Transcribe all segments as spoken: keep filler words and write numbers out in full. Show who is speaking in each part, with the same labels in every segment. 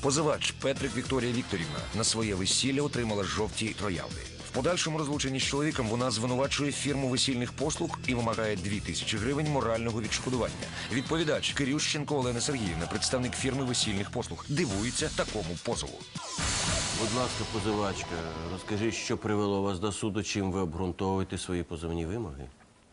Speaker 1: Позивач Петрик Вікторія Вікторівна на своє весілля отримала жовті троянди. В подальшому розлученні з чоловіком вона звинувачує фірму весільних послуг і вимагає дві тисячі гривень морального відшкодування. Відповідач Кирющенко Олена Сергіївна, представник фірми весільних послуг, дивується такому позову.
Speaker 2: Будь ласка, позивачка, розкажіть, що привело вас до суду, чим ви обґрунтовуєте свої позовні вимоги?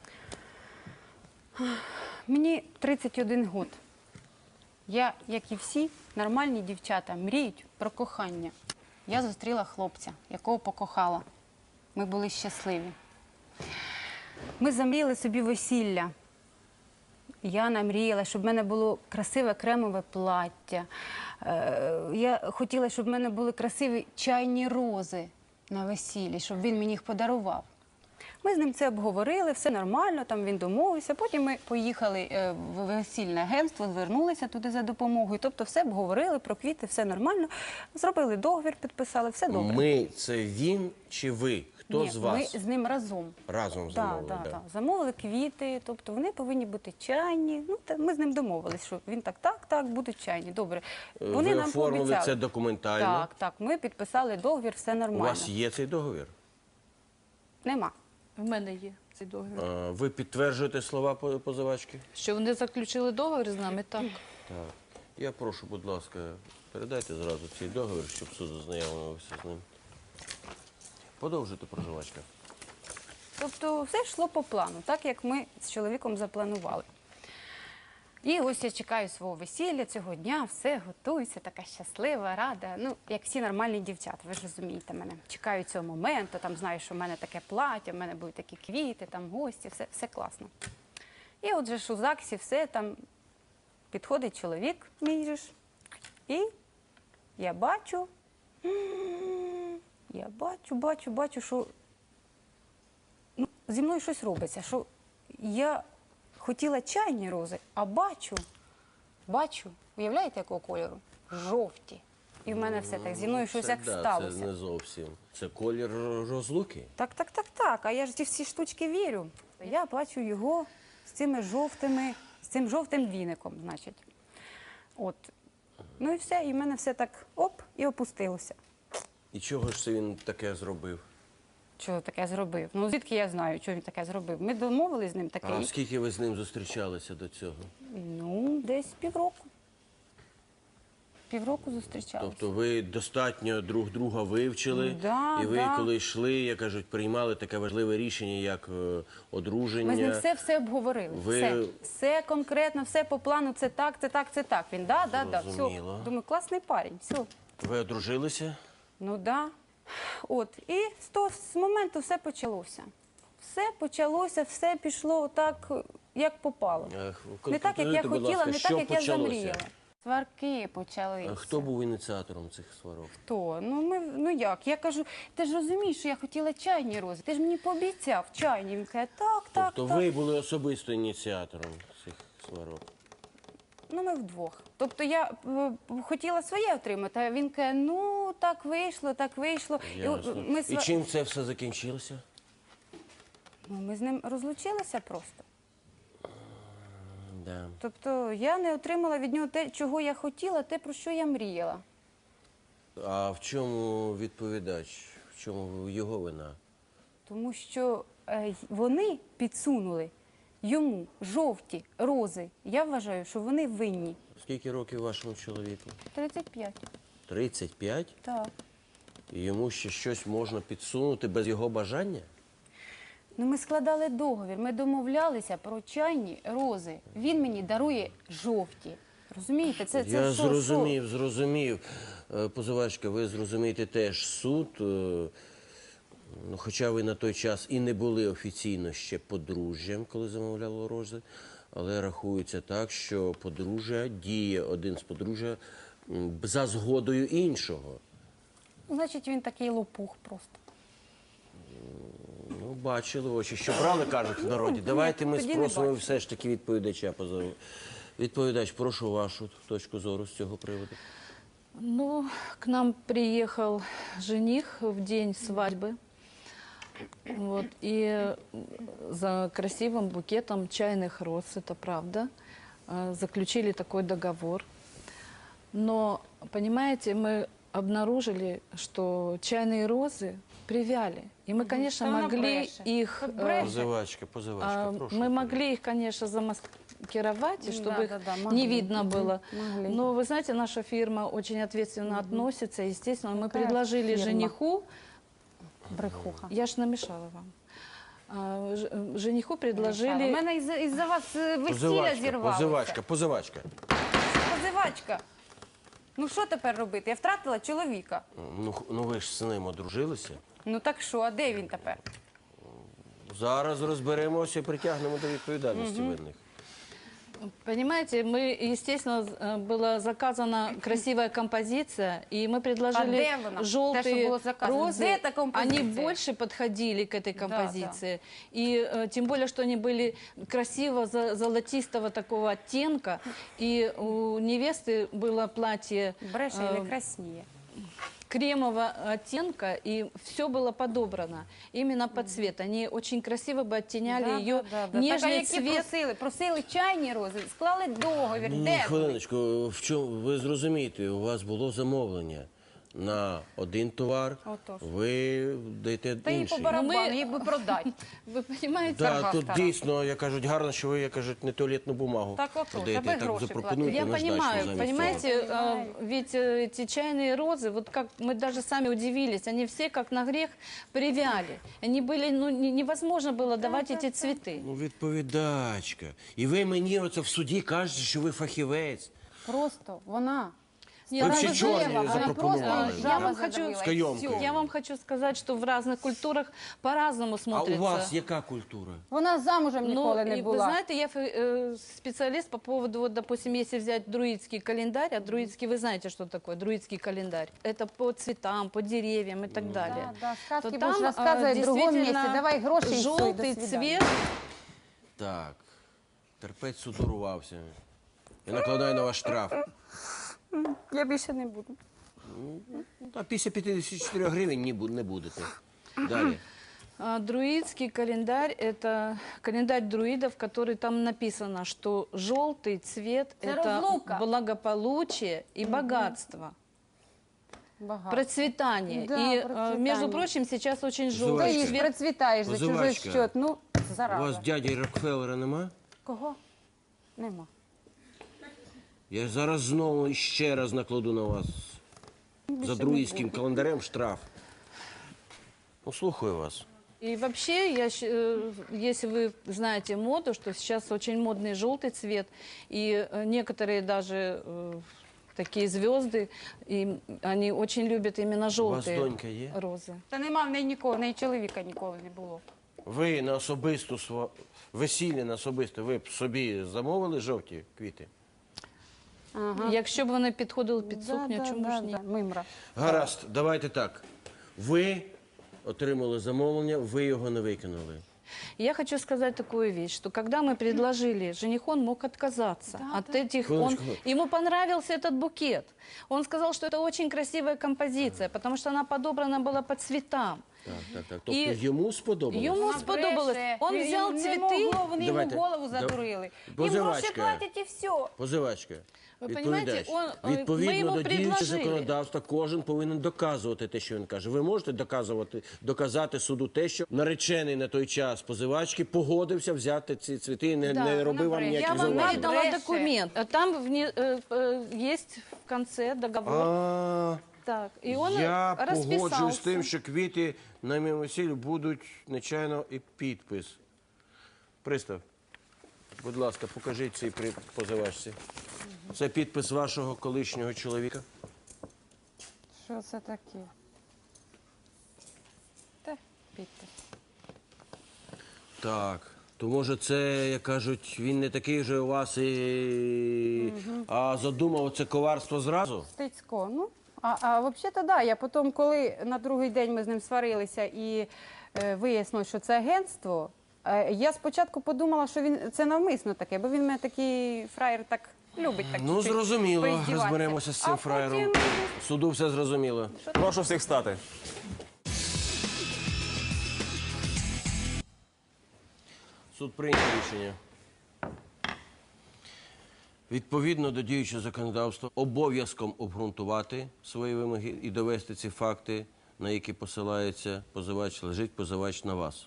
Speaker 3: Мені тридцять один год. Я, як і всі нормальні дівчата, мріють про кохання. Я зустріла хлопця, якого покохала. Ми були щасливі. Ми замріяли собі весілля. Я намріяла, щоб в мене було красиве кремове плаття. Я хотіла, щоб в мене були красиві чайні рози на весіллі, щоб він мені їх подарував. Ми з ним це обговорили, все нормально, там він домовився. Потім ми поїхали в весільне агентство, звернулися туди за допомогою. Тобто все обговорили, про квіти, все нормально. Зробили договір, підписали, все добре.
Speaker 2: Ми – це він чи ви? Хто
Speaker 3: Ні,
Speaker 2: з вас?
Speaker 3: ми з ним разом.
Speaker 2: Разом замовили,
Speaker 3: так?
Speaker 2: да.
Speaker 3: Так, замовили квіти, тобто вони повинні бути чайні. Ну, та ми з ним домовились, що він так, так, так, будуть чайні, добре. Вони
Speaker 2: Ви
Speaker 3: нам
Speaker 2: оформили
Speaker 3: пообіцяли.
Speaker 2: це документально?
Speaker 3: Так, так, ми підписали договір, все
Speaker 2: У
Speaker 3: нормально.
Speaker 2: вас є цей договір?
Speaker 3: Нема.
Speaker 4: В мене є цей договір.
Speaker 2: А, ви підтверджуєте слова по- позивачки?
Speaker 4: Що вони заключили договір з нами, так.
Speaker 2: Так. Я прошу, будь ласка, передайте зразу цей договір, щоб суд ознайомився з ним. Подовжуйте, проживачка.
Speaker 3: Тобто все йшло по плану, так як ми з чоловіком запланували. І ось я чекаю свого весілля цього дня, все, готуюся, така щаслива, рада. Ну, як всі нормальні дівчата, ви ж розумієте мене. Чекаю цього моменту, там знаю, що в мене таке плаття, в мене будуть такі квіти, там гості, все, все класно. І от же ж у ЗАГСі все, там підходить чоловік, мій же ж, і я бачу, я бачу, бачу, бачу, що ну, зі мною щось робиться, що я хотіла чайні рози, а бачу, бачу, уявляєте, якого кольору? Жовті. І в мене все так, зі мною щось
Speaker 2: Це,
Speaker 3: як
Speaker 2: да,
Speaker 3: сталося.
Speaker 2: Це не зовсім. Це колір розлуки.
Speaker 3: Так, так, так, так, а я ж ці всі штучки вірю. Я бачу його з цими жовтими, з цим жовтим віником, значить. От. Ну і все, і в мене все так оп, і опустилося.
Speaker 2: І чого ж це він таке зробив?
Speaker 3: Що таке зробив? Ну, звідки я знаю, що він таке зробив? Ми домовились з ним таке.
Speaker 2: А скільки ви з ним зустрічалися до цього?
Speaker 3: Ну, десь півроку. Півроку зустрічалися.
Speaker 2: Тобто ви достатньо друг друга вивчили,
Speaker 3: Да,
Speaker 2: і ви,
Speaker 3: да.
Speaker 2: коли йшли, як кажуть, приймали таке важливе рішення, як е, одруження.
Speaker 3: Ми з ним все-все обговорили.
Speaker 2: Ви-
Speaker 3: Все. Все конкретно, все по плану, це так, це так, це так. Він, да, да, да, все.
Speaker 2: Зрозуміло.
Speaker 3: Думаю, класний парень, все.
Speaker 2: Ви одружилися?
Speaker 3: Ну, да. От, і з того з моменту все почалося. Все почалося, все пішло так, як попало.
Speaker 2: Ех,
Speaker 3: Не так, як я
Speaker 2: конкретизуйте, будь
Speaker 3: хотіла,
Speaker 2: ласка,
Speaker 3: не
Speaker 2: що
Speaker 3: так, як я
Speaker 2: почалося?
Speaker 3: замріяла. Сварки почалися.
Speaker 2: А хто був ініціатором цих сварок?
Speaker 3: Хто? Ну, ми, ну як? Я кажу, ти ж розумієш, що я хотіла чайні рози. Ти ж мені пообіцяв чайні. Він каже, так, так,
Speaker 2: Тобто
Speaker 3: так.
Speaker 2: ви були особисто ініціатором цих сварок?
Speaker 3: Ну, ми вдвох. Тобто я е, хотіла своє отримати, а він каже, ну, так вийшло, так вийшло.
Speaker 2: Ясно.
Speaker 3: ми,
Speaker 2: І
Speaker 3: сва-
Speaker 2: чим це все закінчилося?
Speaker 3: ну, ми з ним розлучилися просто.
Speaker 2: Да.
Speaker 3: Тобто я не отримала від нього те, чого я хотіла, те, про що я мріяла.
Speaker 2: А в чому відповідач? В чому його вина?
Speaker 3: Тому що е, вони підсунули йому жовті рози. Я вважаю, що вони винні.
Speaker 2: Скільки років вашому чоловіку?
Speaker 3: тридцять п'ять.
Speaker 2: тридцять п'ять?
Speaker 3: Так.
Speaker 2: І йому ще щось можна підсунути без його бажання?
Speaker 3: Ну, ми складали договір, ми домовлялися про чайні рози. Він мені дарує жовті. Розумієте? Це, це
Speaker 2: Я
Speaker 3: що,
Speaker 2: зрозумів, зрозумів. Е, Позивачка, ви зрозумієте теж суд, е, ну, хоча ви на той час і не були офіційно ще подружжям, коли замовляло рози, але рахується так, що подружжя діє один з подружжя м, за згодою іншого.
Speaker 3: Що? Значить, він такий лопух просто.
Speaker 2: Ну, бачили очі. Що брали, кажуть в народі.
Speaker 3: ні,
Speaker 2: Давайте ми
Speaker 3: тоді не
Speaker 2: спросимо
Speaker 3: бачили.
Speaker 2: все ж таки відповідача позову. Відповідач, прошу вашу точку зору з цього приводу.
Speaker 4: Ну, к нам приехал жених в день свадьбы. Вот, и за красивым букетом чайных роз, это правда, э, заключили такой договор. Но, понимаете, мы обнаружили, что чайные розы привяли. И мы, конечно,
Speaker 3: Та вона
Speaker 4: могли
Speaker 3: бреше.
Speaker 4: их...
Speaker 3: Та
Speaker 4: э,
Speaker 3: бреше.
Speaker 2: Позивачка, позивачка,
Speaker 4: а,
Speaker 2: прошу.
Speaker 4: Мы могли их, конечно, замаскировать, и чтобы
Speaker 3: Да,
Speaker 4: их
Speaker 3: да, да,
Speaker 4: не
Speaker 3: могли.
Speaker 4: видно
Speaker 3: Мгм,
Speaker 4: было.
Speaker 3: могли.
Speaker 4: Но, вы знаете, наша фирма очень ответственно относится. Естественно, мы
Speaker 3: Какая
Speaker 4: предложили
Speaker 3: фирма?
Speaker 4: жениху...
Speaker 3: Брехуха.
Speaker 4: Я ж намешала вам. А, ж- э, жениху
Speaker 3: У
Speaker 4: предложили...
Speaker 3: мене із-за із-за вас е, весілля
Speaker 2: Позивачка,
Speaker 3: зірвалося.
Speaker 2: позивачка, позивачка.
Speaker 3: Позивачка. Ну що тепер робити? Я втратила чоловіка.
Speaker 2: Ну, х- ну ви ж з ним одружилися.
Speaker 3: Ну так що, а де він тепер?
Speaker 2: Зараз розберемося і притягнемо до відповідальності винних.
Speaker 4: Понимаете, мы, естественно, з- была заказана красивая композиция, и мы
Speaker 3: А
Speaker 4: предложили
Speaker 3: де вона? Те, що
Speaker 4: желтые
Speaker 3: було заказано.
Speaker 4: розы.
Speaker 3: Де та композиція?
Speaker 4: Они больше подходили к этой
Speaker 3: Да,
Speaker 4: композиции. И э, тем более, что они были красиво за- золотистого такого оттенка. И у невесты было платье
Speaker 3: Бреше і
Speaker 4: э,
Speaker 3: не красніє.
Speaker 4: кремового оттенка, и все было подобрано именно под цвет. Они очень красиво бы оттеняли
Speaker 3: Да,
Speaker 4: ее
Speaker 3: да, да, да.
Speaker 4: нежный
Speaker 3: Так, а які
Speaker 4: цвет.
Speaker 3: просили? Просили чайні рози, склали договір.
Speaker 2: Ні,
Speaker 3: Де вони?
Speaker 2: хвилиночку, в чому ви зрозумієте, у вас було замовлення на один товар,
Speaker 3: Отож.
Speaker 2: ви даєте
Speaker 3: Та їй по
Speaker 2: інший.
Speaker 3: барабану,
Speaker 4: Ну, ми-
Speaker 3: їй би продати.
Speaker 4: Вы понимаете?
Speaker 2: Да,
Speaker 3: торга
Speaker 2: тут
Speaker 3: стара.
Speaker 2: дійсно, я кажуть, гарно, що ви, я кажуть, не туалетну бумагу
Speaker 3: Так отож,
Speaker 2: продаєте,
Speaker 3: аби
Speaker 2: так
Speaker 3: гроші
Speaker 2: запропонуйте
Speaker 4: Я
Speaker 2: наждачку
Speaker 4: понимаю,
Speaker 2: замість
Speaker 4: понимаете,
Speaker 2: цього.
Speaker 4: а, ведь э, эти чайные розы, вот как мы даже сами удивились, они все как на грех привяли. Они были, ну, не- невозможно было давать эти цветы.
Speaker 2: Ну, відповідачка. І ви мені оце в суді кажете, що ви фахівець.
Speaker 3: Просто вона.
Speaker 4: Нет,
Speaker 2: Ви
Speaker 4: ну,
Speaker 2: ще
Speaker 4: вы
Speaker 2: чорні
Speaker 4: знаете,
Speaker 3: вона
Speaker 2: запропонували.
Speaker 3: просто
Speaker 4: Я
Speaker 3: жаба
Speaker 4: вам хочу-
Speaker 3: задавила,
Speaker 2: З
Speaker 3: і
Speaker 2: кайомкою.
Speaker 3: всьо.
Speaker 4: Я вам хочу сказать, что в разных культурах по-разному
Speaker 2: А
Speaker 4: смотрится.
Speaker 2: у вас яка культура?
Speaker 3: Вона замужем
Speaker 4: Ну,
Speaker 3: ніколи не
Speaker 4: и вы
Speaker 3: була.
Speaker 4: знаете, я э, специалист по поводу, вот, допустим, если взять друидский календарь, а друидский, вы знаете, что такое друидский календарь? Это по цветам, по деревьям и так далее.
Speaker 3: Да, да, сказки
Speaker 4: То
Speaker 3: будешь
Speaker 4: там,
Speaker 3: рассказывать
Speaker 4: э,
Speaker 3: в другом
Speaker 4: действительно,
Speaker 3: месте. Давай гроши и всё, и до
Speaker 4: желтый
Speaker 3: свидания.
Speaker 4: цвет.
Speaker 2: Так, терпець судорувався. Я накладаю на ваш штраф.
Speaker 3: Я більше не буду.
Speaker 2: А після п'ятдесят чотири гривень ні бу- не будете. Далі.
Speaker 4: А, Друидский календарь – это календарь друидов, который там написано, что желтый цвет –
Speaker 3: Это
Speaker 4: это
Speaker 3: разлука.
Speaker 4: благополучие и богатство,
Speaker 3: Багато.
Speaker 4: процветание.
Speaker 3: Да,
Speaker 4: и, э,
Speaker 3: процветание.
Speaker 4: между прочим, сейчас очень
Speaker 3: Ти
Speaker 4: желтый
Speaker 2: Позивачка.
Speaker 3: їж,
Speaker 4: цвет.
Speaker 3: процвітаєш за чужий
Speaker 2: Позивачка.
Speaker 3: счет. Ну,
Speaker 2: У вас
Speaker 3: зараза.
Speaker 2: дяді Рокфеллера нема?
Speaker 3: Кого? Нема.
Speaker 2: Я зараз знову ще раз накладу на вас за друїдським календарем штраф. Ну, слухаю вас.
Speaker 4: И вообще, я, щ- э, если вы знаете моду, что сейчас очень модный желтый цвет, и э, некоторые даже э, такие звезды, и они очень любят именно
Speaker 2: У вас
Speaker 4: желтые
Speaker 2: донька є?
Speaker 4: розы.
Speaker 3: Та нема в неї нікого, в неї чоловіка ніколи не було.
Speaker 2: Ви на особисту сво... весілля на особисте, ви б собі замовили жовті квіти?
Speaker 4: Якщо б вони підходили під сукню, чому ж ні?
Speaker 3: Мимра.
Speaker 2: Гаразд, давайте так. Ви отримали замовлення, ви його не виконали.
Speaker 4: Я хочу сказать такую вещь, что когда мы предложили, жених, он мог отказаться от этих... Он,
Speaker 2: Хвилиночку.
Speaker 4: ему понравился этот букет. Он сказал, что это очень красивая композиция, потому что она подобрана была по цветам.
Speaker 2: Так, так, так. Тобто
Speaker 4: І
Speaker 2: йому сподобалось?
Speaker 4: йому
Speaker 3: Вона
Speaker 4: сподобалось.
Speaker 3: бреше.
Speaker 4: Он
Speaker 3: Він-
Speaker 4: взял
Speaker 3: не
Speaker 4: цветы.
Speaker 3: могло, вони йому
Speaker 2: Давайте.
Speaker 3: голову
Speaker 2: Да-
Speaker 3: задурили. Їм гроші
Speaker 2: Позивачка.
Speaker 3: платять і все.
Speaker 2: Позивачка,
Speaker 4: Ви
Speaker 2: відповідач,
Speaker 4: понімаєте, он, е, ми
Speaker 2: відповідно
Speaker 4: йому
Speaker 2: до діючого
Speaker 4: предложили.
Speaker 2: законодавства, кожен повинен доказувати те, що він каже. Ви можете доказувати, доказати суду те, що наречений на той час позивачки погодився взяти ці цвіти і не,
Speaker 4: Да,
Speaker 2: не робив вам
Speaker 3: вона
Speaker 4: Я
Speaker 2: ніяких
Speaker 4: вам
Speaker 3: зауважень.
Speaker 2: зауважень.
Speaker 4: передала
Speaker 3: Бреше.
Speaker 4: документ. А Там вне- э, э, есть в конце договор.
Speaker 2: А,
Speaker 4: Так, и он
Speaker 2: я погоджуюсь
Speaker 4: расписался.
Speaker 2: з тим, що квіти на моєму весіллі будуть нечайно і підпис. Пристав, будь ласка, покажіть цей при позивачці. Це підпис вашого колишнього чоловіка.
Speaker 3: Що це таке? Та, підпис.
Speaker 2: Так. То може це, як кажуть, він не такий же у вас і... А задумав це коварство зразу?
Speaker 3: Стецько, ну. А, а взагалі-то, да, я потім, коли на другий день ми з ним сварилися і е, вияснилось, що це агентство, е, я спочатку подумала, що він це навмисно таке, бо він мене такий фраєр так любить. Так
Speaker 2: Ну,
Speaker 3: чуть-чуть
Speaker 2: зрозуміло.
Speaker 3: поіздіватися.
Speaker 2: Розберемося з цим
Speaker 3: А
Speaker 2: фраєром.
Speaker 3: потім-
Speaker 2: Суду все зрозуміло.
Speaker 5: Прошу всіх встати.
Speaker 2: Суд прийняв рішення. Відповідно до діючого законодавства, обов'язком обґрунтувати свої вимоги і довести ці факти, на які посилається позивач, лежить позивач на вас.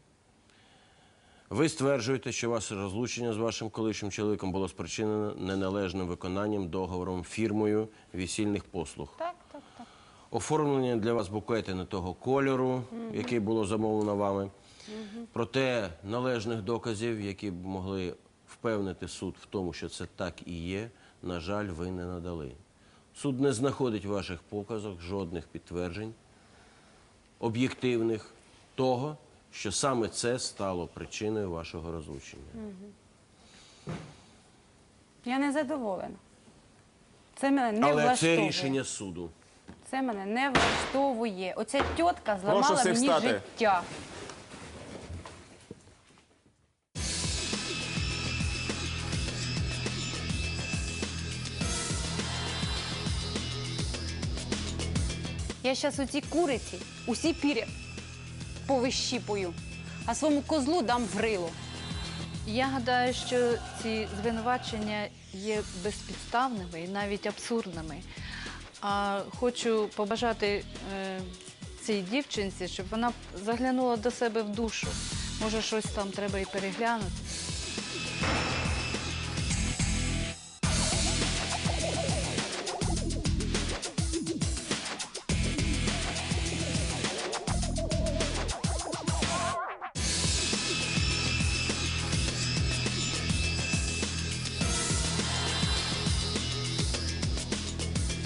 Speaker 2: Ви стверджуєте, що ваше розлучення з вашим колишнім чоловіком було спричинено неналежним виконанням договором фірмою весільних послуг.
Speaker 3: Так, так, так.
Speaker 2: Оформлення для вас букети не того кольору, який було замовлено вами. Проте належних доказів, які б могли впевнити суд в тому, що це так і є, на жаль, ви не надали. Суд не знаходить в ваших показах жодних підтверджень об'єктивних того, що саме це стало причиною вашого розлучення.
Speaker 3: Я не задоволена. Це мене не
Speaker 2: Але
Speaker 3: влаштовує.
Speaker 2: це рішення суду.
Speaker 3: Це мене не влаштовує. Оця тітка зламала
Speaker 5: всіх
Speaker 3: мені
Speaker 5: встати.
Speaker 3: життя. Я зараз оці куриці, усі пір'я повищіпую, а своєму козлу дам в рило.
Speaker 4: Я гадаю, що ці звинувачення є безпідставними і навіть абсурдними. А хочу побажати е, цій дівчинці, щоб вона заглянула до себе в душу. Може, щось там треба і переглянути.